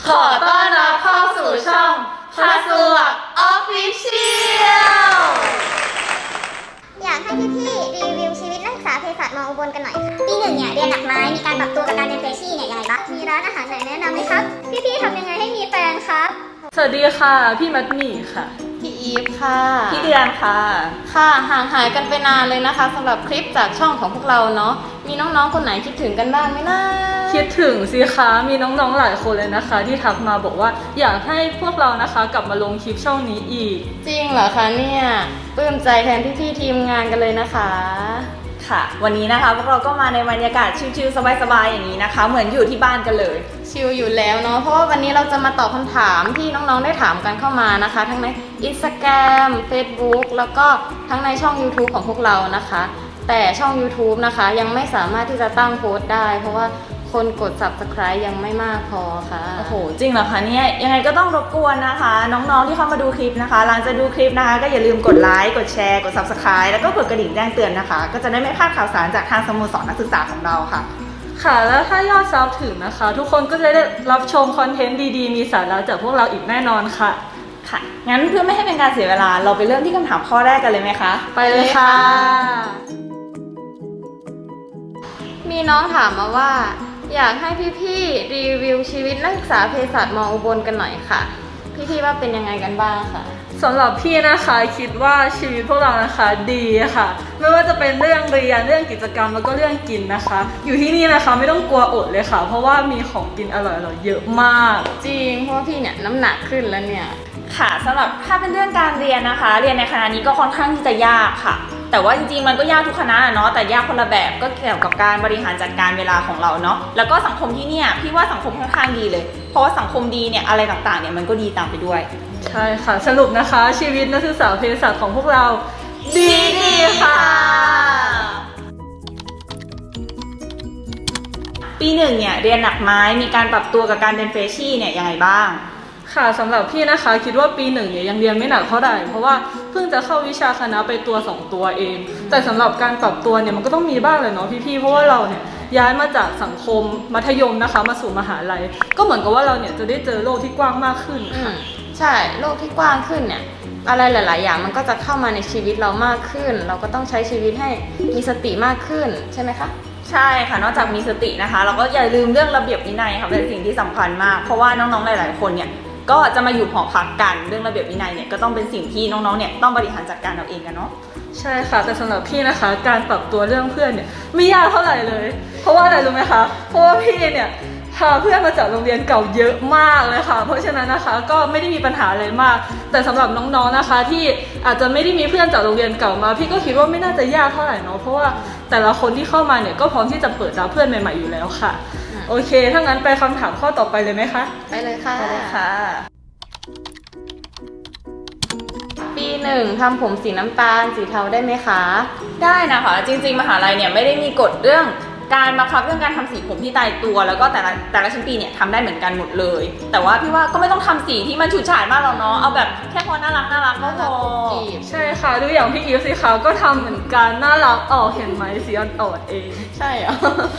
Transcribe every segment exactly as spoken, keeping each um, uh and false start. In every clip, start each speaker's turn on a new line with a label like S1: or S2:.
S1: ขอต้อนรับเข้าสู่ช่องคาสวกออฟฟิเชียล
S2: อยากให้พี่ๆรีวิวชีวิตนักศึกษาเภสัชมออุบลกันหน่อยค่ะปีหนึ่งเนี่ยเรียนหนักไหมมีการปรับตัวกับการเรียนเฟรชชี่เนี่ยยังไงบ้างมีร้านอาหารไหนแนะนำไหมครับพี่ๆทำยังไงให้มีแฟนครับ
S3: สวัสดีค่ะพี่มัดหมี่ค่ะ
S1: พี่อีฟค่ะ
S3: พี่เดือนค่ะ
S1: ค่ะห่างหายกันไปนานเลยนะคะสำหรับคลิปจากช่องของพวกเราเนาะมีน้องๆคนไหนคิดถึงกันบ้างไหมนะ
S3: คิดถึงสิคะมีน้องๆหลายคนเลยนะคะที่ทักมาบอกว่าอยากให้พวกเรานะคะกลับมาลงคลิปช่องนี้อีก
S1: จริงเหรอคะเนี่ยปลื้มใจแทนพี่ๆทีมงานกันเลยนะคะ
S4: ค่ะวันนี้นะคะพวกเราก็มาในบรรยากาศชิลๆสบายๆอย่างนี้นะคะเหมือนอยู่ที่บ้านกันเลย
S1: ชิลอยู่แล้วเนาะเพราะว่าวันนี้เราจะมาตอบคำถามที่น้องๆได้ถามกันเข้ามานะคะทั้งใน Instagram Facebook แล้วก็ทั้งในช่อง YouTube ของพวกเรานะคะแต่ช่อง YouTube นะคะยังไม่สามารถที่จะตั้งโพสต์ได้เพราะว่าคนกด ซับสไครบ์ ยังไม่มากพอค่ะ
S4: โอ้โหจริงเหรอคะเนี่ยยังไงก็ต้องรบกวนนะคะน้องๆที่เข้ามาดูคลิปนะคะหลังจากดูคลิปนะคะก็อย่าลืมกดไลค์กดแชร์กด ซับสไครบ์ แล้วก็กดกระดิ่งแจ้งเตือนนะคะก็จะได้ไม่พลาดข่าวสารจากทางสโมสรนักศึกษาของเราค่ะ
S3: ค่ะแล้วถ้ายอดซับถึงนะคะทุกคนก็จะได้รับชมคอนเทนต์ดีๆมีสาระจากพวกเราอีกแน่นอนค่ะ
S4: ค่ะงั้นเพื่อไม่ให้เป็นการเสียเวลาเราไปเริ่มที่คำถามข้อแรกกันเลยไหมคะ
S3: ไปเลยค่ะ
S1: มีน้องถามมาว่าอยากให้พี่ๆรีวิวชีวิตนักศึกษาเภสัชมออุบลกันหน่อยค่ะพี่ๆว่าเป็นยังไงกันบ้างค่ะ
S3: สำหรับพี่นะคะคิดว่าชีวิตพวกเรานะคะดีค่ะไม่ว่าจะเป็นเรื่องเรียนเรื่องกิจกรรมแล้วก็เรื่องกินนะคะอยู่ที่นี่นะคะไม่ต้องกลัวอดเลยค่ะเพราะว่ามีของกินอร่อยๆเยอะมาก
S1: จริงเพราะว่าพี่เนี่ยน้ำหนักขึ้นแล้วเนี่ย
S4: ค่ะสำหรับถ้าเป็นเรื่องการเรียนนะคะเรียนในคณะนี้ก็ค่อนข้างที่จะยากค่ะแต่ว่าจริงๆมันก็ยากทุกคณะเนาะแต่ยากคนละแบบก็เกี่ยวกับการบริหารจัดการเวลาของเราเนาะแล้วก็สังคมที่เนี่ยพี่ว่าสังคมค่อนข้างดีเลยเพราะว่าสังคมดีเนี่ยอะไรต่างๆเนี่ยมันก็ดีตามไปด้วย
S3: ใช่ค่ะสรุปนะคะชีวิตนักศึกษาเภสัชของพวกเราดีดีค่ะ
S4: ปีหนึ่งเนี่ยเรียนหนักไหมมีการปรับตัวกับการเรียนเฟรชชี่เนี่ยยังไงบ้าง
S3: ค่ะสำหรับพี่นะคะคิดว่าปีหนึ่งเนี่ยยังเรียนไม่หนักเท่าไหร่เพราะว่าเพิ่งจะเข้าวิชาคณะไปตัวสองตัวเองแต่สำหรับการปรับตัวเนี่ยมันก็ต้องมีบ้างเลยเนาะพี่ๆเพราะว่าเราเนี่ยย้ายมาจากสังคมมัธยมนะคะมาสู่มหาลัยก็เหมือนกับว่าเราเนี่ยจะได้เจอโลกที่กว้างมากขึ้นค่ะ
S1: ใช่โลกที่กว้างขึ้นเนี่ยอะไรหลายๆอย่างมันก็จะเข้ามาในชีวิตเรามากขึ้นเราก็ต้องใช้ชีวิตให้มีสติมากขึ้นใช่ไหมคะ
S4: ใช่ค่ะนอกจากมีสตินะคะเราก็อย่าลืมเรื่องระเบียบวินัยค่ะเป็นสิ่งที่สำคัญมากเพราะว่าน้องๆหลายๆคนเนี่ยก็จะมาอยู่หอพักกันเรื่องระเบียบวินัยเนี่ยก็ต้องเป็นสิ่งที่น้องๆเนี่ยต้องบริหารจัดการเอาเองกันเนาะ
S3: ใช่ค่ะแต่สำหรับพี่นะคะการปรับตัวเรื่องเพื่อนเนี่ยไม่ยากเท่าไหร่เลยเพราะว่าอะไรรู้ไหมคะเพราะว่าพี่เนี่ยพาเพื่อนมาจากโรงเรียนเก่าเยอะมากเลยค่ะเพราะฉะนั้นนะคะก็ไม่ได้มีปัญหาอะไรมากแต่สำหรับน้องๆนะคะที่อาจจะไม่ได้มีเพื่อนจากโรงเรียนเก่ามาพี่ก็คิดว่าไม่น่าจะยากเท่าไหร่เนาะเพราะว่าแต่ละคนที่เข้ามาเนี่ยก็พร้อมที่จะเปิดรับเพื่อนใหม่ๆอยู่แล้วค่ะโอเคถ้างั้นไปคำถามข้อต่อไปเลยไหมคะ
S1: ไปเลยค่ะ
S4: ไปเลยค่ะ
S1: ปีหนึ่งทำผมสีน้ำตาลสีเทาได้ไหมคะ
S4: ได้นะคะจริงๆมหาลัยเนี่ยไม่ได้มีกฎเรื่องการบังคับเรื่องการทำสีผมที่ตายตัวแล้วก็แต่ละแต่ละชั้นปีเนี่ยทำได้เหมือนกันหมดเลยแต่ว่าพี่ว่าก็ไม่ต้องทำสีที่มันฉูดฉาดมากหรอกเนาะเอาแบบแค่พอน่ารักน่ารักก็พอ
S3: ใช่ค่ะดูอย่างพี่อีฟสิคะก็ทำเหมือนกันน่ารักออกเห็นไหมสีอ่อนๆเอง
S1: ใช่เหรอ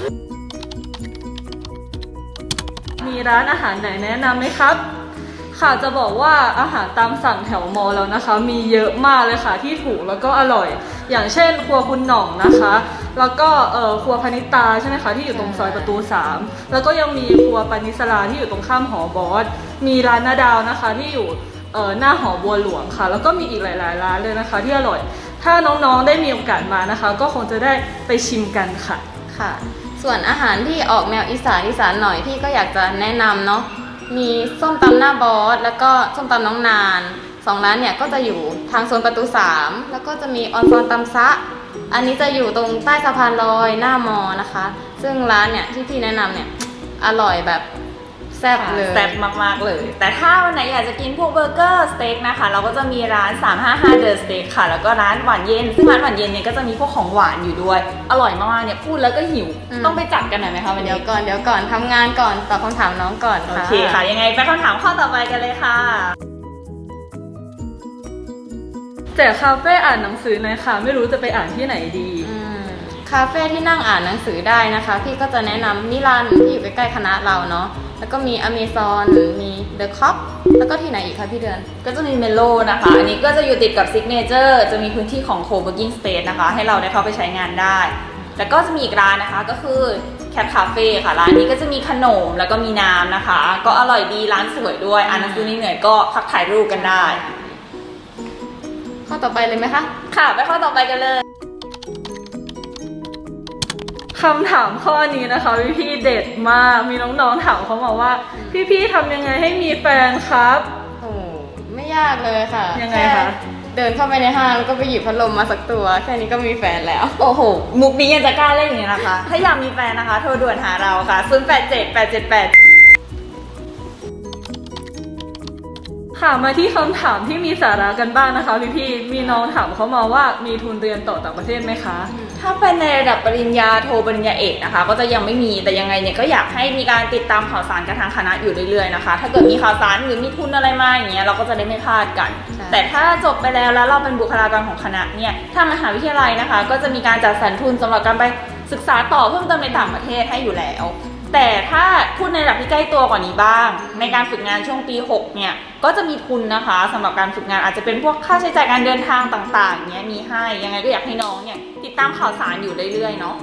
S3: มีร้านอาหารไหนแนะนำไหมครับค่ะจะบอกว่าอาหารตามสั่งแถวมอแล้วนะคะมีเยอะมากเลยค่ะที่ถูกแล้วก็อร่อยอย่างเช่นครัวคุณหน่องนะคะแล้วก็เอ่อครัวพนิตาใช่ไหมคะที่อยู่ตรงซอยประตูสามแล้วก็ยังมีครัวปานิสลาที่อยู่ตรงข้ามหอบอสมีร้านนาดาวนะคะที่อยู่เอ่อหน้าหอบัวหลวงค่ะแล้วก็มีอีกหลายๆร้านเลยนะคะที่อร่อยถ้าน้องๆได้มีโอกาสมานะคะก็คงจะได้ไปชิมกันค่ะ
S1: ค่ะส่วนอาหารที่ออกแนวอีสานอีสานหน่อยพี่ก็อยากจะแนะนำเนาะมีส้มตำหน้าบอสแล้วก็ส้มตำน้องนานสองร้านเนี่ยก็จะอยู่ทางโซนประตูสามแล้วก็จะมีออนซอนตำซะอันนี้จะอยู่ตรงใต้สะพานลอยหน้ามอนะคะซึ่งร้านเนี่ยที่พี่แนะนำเนี่ยอร่อยแบบแซ่บเลย
S4: แซ่บมากๆเลยแต่ถ้าวันไหนอยากจะกินพวกเบอร์เกอร์สเต็กนะคะเราก็จะมีร้านสามห้าห้า The Steak ค่ะแล้วก็ร้านหวานเย็นซึ่งร้านหวานเย็นเนี่ยก็จะมีพวกของหวานอยู่ด้วยอร่อยมากๆเนี่ยพูดแล้วก็หิวต้องไปจัดกันหน่อยไหมคะวันนี้
S1: เดี๋ยวก่อนเดี๋ยวก่อนทำงานก่อนตอบคำถามน้องก่อน
S4: ค่ะโอเคค่ะยังไงไปคำถามข้อต่อไปกันเลยค่ะ
S3: แต่คาเฟ่อ่านหนังสือหน่อยค่ะไม่รู้จะไปอ่านที่ไหนดี
S1: คาเฟ่ที่นั่งอ่านหนังสือได้นะคะพี่ก็จะแนะนำมิลันที่อยู่ใกล้ๆคณะเราเนาะแล้วก็มีอเมซอนมีเดอะคอปแล้วก็ที่ไหนอีกคะพี่เดือน
S4: ก็จะมีเมโลนะคะ อันนี้ก็จะอยู่ติดกับซิกเนเจอร์จะมีพื้นที่ของ co-working space นะคะ ให้เราได้เข้าไปใช้งานได้ แล้วก็จะมีอีกร้านนะคะก็คือ Cat Cafe ค่ะ ร้านนี้ก็จะมีขนมแล้วก็มีน้ำนะคะ ก็อร่อยดีร้านสวยด้วยอ่านหนังสือเหนื่อยๆก็พักถ่ายรูปกันได้
S1: ข้อต่อไปเลยไหมคะ
S4: ค่ะไปข้อต่อไปกันเลย
S3: คำถามข้อนี้นะคะพี่ๆเด็ดมากมีน้องๆถามเขามาว่าพี่ๆทำยังไงให้มีแฟนครับ
S1: โอ้ไม่ยากเลยค่ะ
S3: ยังไงคะ
S1: แเดินเข้าไปในห้างแล้วก็ไปหยิบพัดลมมาสักตัว แค่นี้ก็มีแฟนแล้ว
S4: โอ้โห มุกนี้ยังจะกล้าเล่นอย่างนี้นะคะ ถ้าอยากมีแฟนนะคะ โทรด่วนหาเราค่ะ ศูนย์ แปด เจ็ด แปด เจ็ด แปด
S3: ค่ะมาที่คำถามที่มีสาระกันบ้างนะคะพี่ๆมีน้องถามเขามาว่ามีทุนเรียนต่อต่างประเทศไหมคะ
S4: ถ้าเป็นในระดับปริญญาโทปริญญาเอกนะคะ ก็จะยังไม่มีแต่ยังไงเนี่ยก็อยากให้มีการติดตามข่าวสารกับทางคณะอยู่เรื่อยๆนะคะ ถ้าเกิดมีข่าวสารหรือมีทุนอะไรมาอย่างเงี้ยเราก็จะได้ไม่พลาดกัน
S1: ใช่
S4: แต่ถ้าจบไปแล้วแล้วเราเป็นบุคลากรของคณะเนี่ยถ้ามหาวิทยาลัยนะคะ ก็จะมีการจัดสรรทุนสำหรับการไปศึกษาต่อเพิ่มเติมในต่างประเทศให้อยู่แล้ว แต่ถ้าพูดในระดับที่ใกล้ตัวกว่านี้บ้าง ในการฝึกงานช่วงปีหกเนี่ยก็จะมีทุนนะคะสำหรับการฝึกงานอาจจะเป็นพวกค่าใช้จ่ายการเดินทางต่างๆเนี้ยมีให้ยังไงก็อยากให้น้องเนี่ยติดตามข่าวสารอยู่เรื่อยๆเนาะ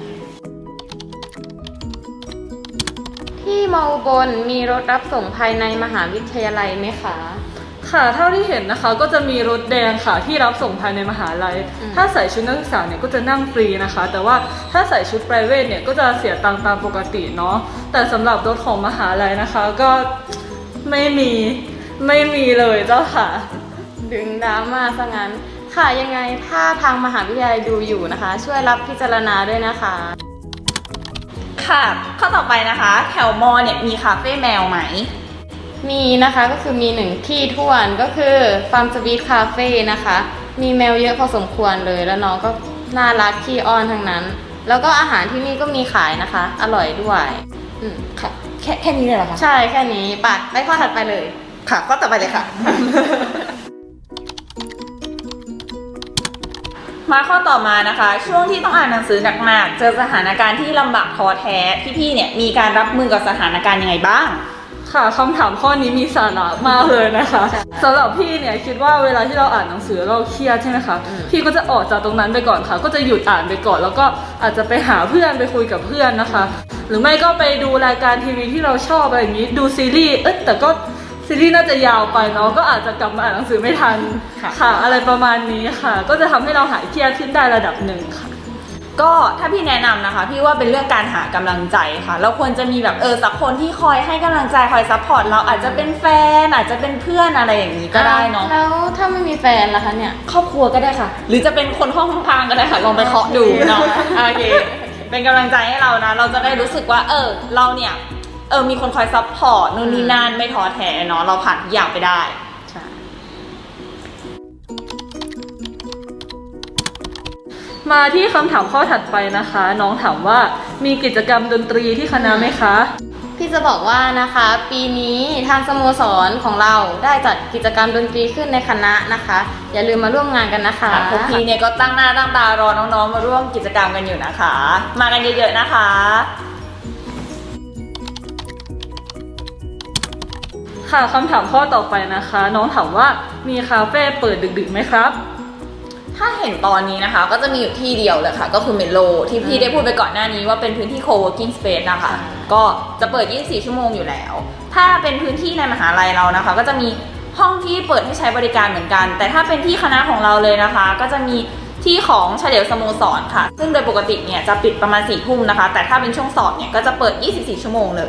S1: ที่มออุบลมีรถรับส่งภายในมหาวิทยาลัยไหมคะ
S3: ค่ะเท่าที่เห็นนะคะก็จะมีรถแดงค่ะที่รับส่งภายในมหาลัย
S1: อืม
S3: ถ้าใส่ชุดนักศึกษาเนี่ยก็จะนั่งฟรีนะคะ แต่ว่าถ้าใส่ชุด private เนี่ยก็จะเสียตังค์ตามปกติเนาะแต่สำหรับรถของมหาลัยนะคะก็ไม่มีไม่มีเลยเจ้าค่ะ
S1: ดึงดราม่าซะงั้น ค่ะยังไงถ้าทางมหาวิทยาลัยดูอยู่นะคะ ช่วยรับพิจารณาด้วยนะคะ
S4: ค่ะข้อต่อไปนะคะแถวมอเนี่ยมีคาเฟ่แมวไหม
S1: มีนะคะก็คือมีหนึ่งที่ท่วนก็คือฟาร์มสวีทคาเฟ่นะคะ มีแมวเยอะพอสมควรเลยแล้วน้องก็น่ารักขี้อ้อนทั้งนั้น แล้วก็อาหารที่นี่ก็มีขายนะคะ อร่อยด้วยอืมค่ะ
S4: แค่แค่นี้เลยเหรอคะ
S1: ใช่แค่นี้ไปไปข้อถัดไปเลย
S4: ค่ะข้อต่อไปเลยค่ะ มาข้อต่อมานะคะ ช่วงที่ต้องอ่านหนังสือหนักๆเจอสถานการณ์ที่ลำบากท้อแท้พี่ๆเนี่ยมีการรับมือกับสถานการณ์ยังไงบ้าง
S3: ค่ะคำถามข้อนี้มีสาระมากเลยนะคะสำหรับพี่เนี่ยคิดว่าเวลาที่เราอ่านหนังสือเราเครียดใช่ไหมคะ
S1: อืม
S3: พี่ก็จะออกจากตรงนั้นไปก่อนค่ะ ก็จะหยุดอ่านไปก่อน แล้วก็อาจจะไปหาเพื่อนไปคุยกับเพื่อนนะคะ หรือไม่ก็ไปดูรายการทีวีที่เราชอบอะไรอย่างนี้ดูซีรีส์เอ๊ะแต่ก็ซีรีส์น่าจะยาวไปเนาะก็อาจจะกลับมาอ่านหนังสือไม่ทัน
S4: ค่ะ
S3: ค่ะ อะไรประมาณนี้ค่ะ ก็จะทำให้เราหายเครียดขึ้นได้ระดับหนึ่งค่ะ
S4: ก็ถ้าพี่แนะนำนะคะพี่ว่าเป็นเรื่องการหากำลังใจค่ะเราควรจะมีแบบเออสักคนที่คอยให้กำลังใจคอยซัพพอร์ตเราอาจจะเป็นแฟนอาจจะเป็นเพื่อนอะไรอย่างนี้ก็ได้เนาะ
S1: แล้วถ้าไม่มีแฟนล่ะคะเนี่ย
S4: ครอบครัวก็ได้ค่ะ หรือจะเป็นคนห้องข้างๆก็ได้ค่ะลองไปเคาะดูเนาะโอเคเป็นกำลังใจให้เรานะเราจะได้รู้สึกว่าเออเราเนี่ยเออมีคนคอยซัพพอร์ตนู่นนี่นั่นไม่ท้อแท้เนาะเราผ่านทุกอย่างไปได้
S1: ใช่
S3: มาที่คำถามข้อถัดไปนะคะ น้องถามว่ามีกิจกรรมดนตรีที่คณะไหมคะ
S1: พี่จะบอกว่านะคะปีนี้ทางสโมสรของเราได้จัดกิจกรรมดนตรีขึ้นในคณะนะคะ อย่าลืมมาร่วมงานกันนะคะ
S4: พวกพี่เนี่ยก็ตั้งหน้าตั้งตารอน้องๆมาร่วมกิจกรรมกันอยู่นะคะ มากันเยอะๆนะคะ
S3: ค่ะคำถามข้อต่อไปนะคะ น้องถามว่ามีคาเฟ่เปิดดึกๆไหมครับ
S4: ถ้าเห็นตอนนี้นะคะก็จะมีอยู่ที่เดียวเลยค่ะก็คือเมโลที่พี่ได้พูดไปก่อนหน้านี้ว่าเป็นพื้นที่ co-working space นะคะก็จะเปิดยี่สิบสี่ชั่วโมงอยู่แล้ว ถ้าเป็นพื้นที่ในมหาลัยเรานะคะ ก็จะมีห้องที่เปิดให้ใช้บริการเหมือนกัน แต่ถ้าเป็นที่คณะของเราเลยนะคะ ก็จะมีที่ของเฉลียวสโมสรค่ะ ซึ่งโดยปกติเนี่ยจะปิดประมาณสี่ทุ่มนะคะแต่ถ้าเป็นช่วงสอบเนี่ยก็จะเปิดยี่สิบสี่ชั่วโมงเลย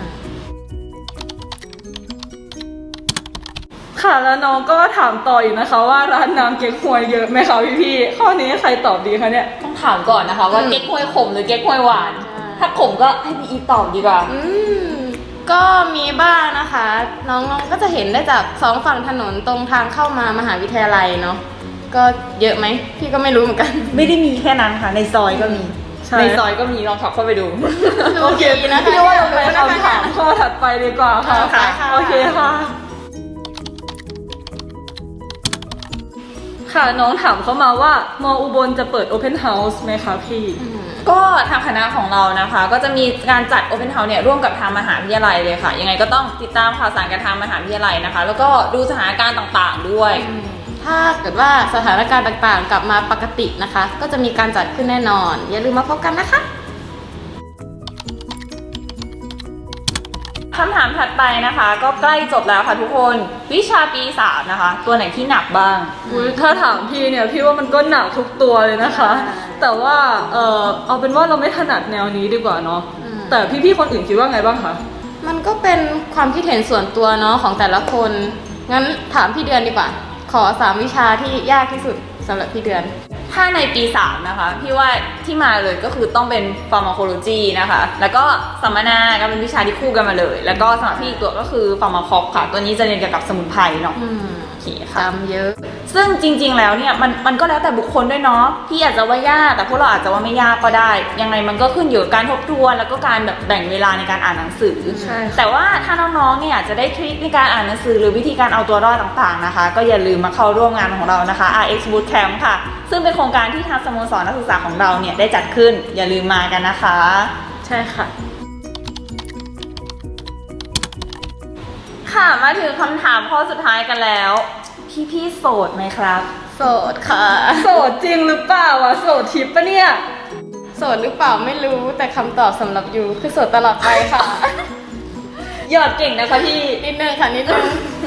S3: ค่ะแล้วน้องก็ถามต่ออีกนะคะว่าร้านน้ำเก๊กฮวยเยอะไหมคะพี่ๆข้อนี้ใครตอบดีคะเนี่ย
S4: ต้องถามก่อนนะคะว่า
S1: อืม
S4: เก๊กฮวยขมหรือเก๊กฮวยหวาน
S1: ใช่
S4: ถ้าขมก็ให้พี่อีตอบดีกว่า
S1: อืมก็มีบ้างนะคะ น้องๆก็จะเห็นได้จากสองฝั่งถนนตรงทางเข้ามามหาวิทยาลัยเนาะก็เยอะไหมพี่ก็ไม่รู้เหมือนกัน
S4: ไม่ได้มีแค่นั้นค่ะในซอยก็มี
S3: ใช่
S4: ในซอยก็มีลองขับเข้าไปดู
S3: โอเค
S1: ดูดีนะคะ
S3: พี่ว่าเราไปคำถามข้อถัดไปดีกว่าค่ะ
S1: ค่ะค่ะ
S3: โอเคค่ะ ค่ะน้องถามเข้ามาว่ามออุบลจะเปิด Open House ไหมคะพี่
S1: อืม
S4: ก็ทางคณะของเรานะคะก็จะมีการจัด Open House เนี่ยร่วมกับทางมหาวิทยาลัยเลยค่ะยังไงก็ต้องติดตามข่าวสารกับทางมหาวิทยาลัยนะคะแล้วก็ดูสถานการณ์ต่างๆด้วย
S1: ถ้าเกิดว่าสถานการณ์ต่างๆ กลับมาปกตินะคะ ก็จะมีการจัดขึ้นแน่นอน อย่าลืมมาพบกันนะคะ
S4: คำถามถัดไปนะคะก็ใกล้จบแล้วค่ะทุกคนวิชาปีสามนะคะ ตัวไหนที่หนักบ้าง
S3: อุ๊ยถ้าถามพี่เนี่ยพี่ว่ามันก็หนักทุกตัวเลยนะคะ แต่ว่าเออเอาเป็นว่าเราไม่ถนัดแนวนี้ดีกว่าเนาะ
S1: อืม
S3: แต่พี่ๆคนอื่นคิดว่าไงบ้างคะ
S1: มันก็เป็นความคิดเห็นส่วนตัวเนาะของแต่ละคน งั้นถามพี่เดือนดีกว่า ขอสามวิชาที่ยากที่สุดสำหรับพี่เดือน
S4: ถ้าในปีสามนะคะพี่ว่าที่มาเลยก็คือต้องเป็น pharmacology นะคะแล้วก็สัมมนาก็เป็นวิชาที่คู่กันมาเลย แล้วก็สำหรับพี่อีกตัวก็คือ pharmacop ค่ะตัวนี้จะเรียนเกี่ยวกับสมุนไพรเนาะ
S1: อืม
S4: โอเคค่ะ
S1: จำเยอะ
S4: ซึ่งจริงๆ แล้วเนี่ยมันมันก็แล้วแต่บุคคลด้วยเนาะพี่อาจจะว่ายากแต่พวกเราอาจจะว่าไม่ยากก็ได้ ยังไงมันก็ขึ้นอยู่กับการทบทวนแล้วก็การแบบแบ่งเวลาในการอ่านหนังสือ
S3: ใช่ค่ะ
S4: แต่ว่าถ้าน้องๆ เนี่ยจะได้ทริคในการอ่านหนังสือหรือวิธีการเอาตัวรอดต่างๆ นะคะ ก็อย่าลืมมาเข้าร่วมงานของเรานะคะ อาร์ เอ็กซ์ Bootcamp ค่ะ ซึ่งเป็นโครงการที่ทางสโมสรนักศึกษาของเราเนี่ยได้จัดขึ้น อย่าลืมมากันนะคะ
S3: ใช่ค่ะ
S4: ค่ะมาถึงคำถามข้อสุดท้ายกันแล้ว พี่ๆ โสดไหมครับ
S1: โสดค่ะ
S3: โสดจริงหรือเปล่าวะโสดทิปปะเนี่ย
S1: โสดหรือเปล่าไม่รู้แต่คำตอบสำหรับยูคือโสดตลอดไปค่ะ
S3: หยอดเก่งนะคะพี่
S1: นิดนึงค่ะนิดนึง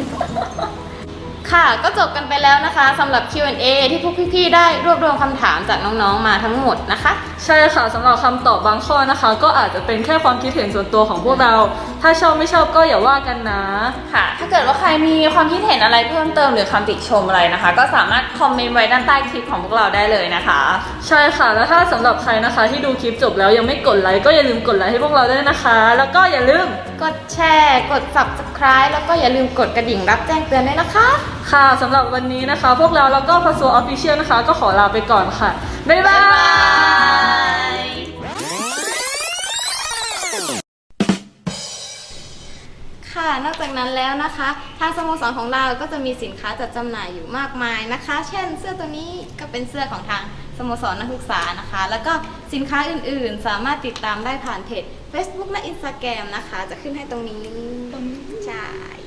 S1: ค่ะก็จบกันไปแล้วนะคะสำหรับ คิว แอนด์ เอ ที่พวกพี่ๆได้รวบรวมคำถามจากน้องๆมาทั้งหมดนะคะ
S3: ใช่ค่ะสำหรับคำตอบบางข้อนะคะ ก็อาจจะเป็นแค่ความคิดเห็นส่วนตัวของพวกเรา ถ้าชอบไม่ชอบก็อย่าว่ากันนะ
S4: ค่ะ ถ้าเกิดว่าใครมีความคิดเห็นอะไรเพิ่มเติมหรือคำติชมอะไรนะคะ ก็สามารถคอมเมนต์ไว้ด้านใต้คลิปของพวกเราได้เลยนะคะ
S3: ใช่ค่ะแล้วถ้าสำหรับใครนะคะที่ดูคลิปจบแล้วยังไม่กดไลค์ก็อย่าลืมกดไลค์ให้พวกเราด้วยนะคะ แล้วก็อย่าลืม
S1: กดแชร์กด ซับสไครบ์ แล้วก็อย่าลืมกดกระดิ่งรับแจ้งเตือนด้วยนะคะ
S3: ค่ะสำหรับวันนี้นะคะ พวกเราแล้วก็พัสโซออฟฟิเชียลนะคะ ก็ขอลาไปก่อนค่ะ บ๊ายบาย
S1: ค่ะนอกจากนั้นแล้วนะคะ ทางสโมสรของเราก็จะมีสินค้าจัดจำหน่ายอยู่มากมายนะคะ เช่นเสื้อตัวนี้ก็เป็นเสื้อของทางสโมสรนักศึกษานะคะ แล้วก็สินค้าอื่นๆ สามารถติดตามได้ผ่านเพจ Facebook และ Instagram นะคะ จะขึ้นให้ตรงนี้ใช่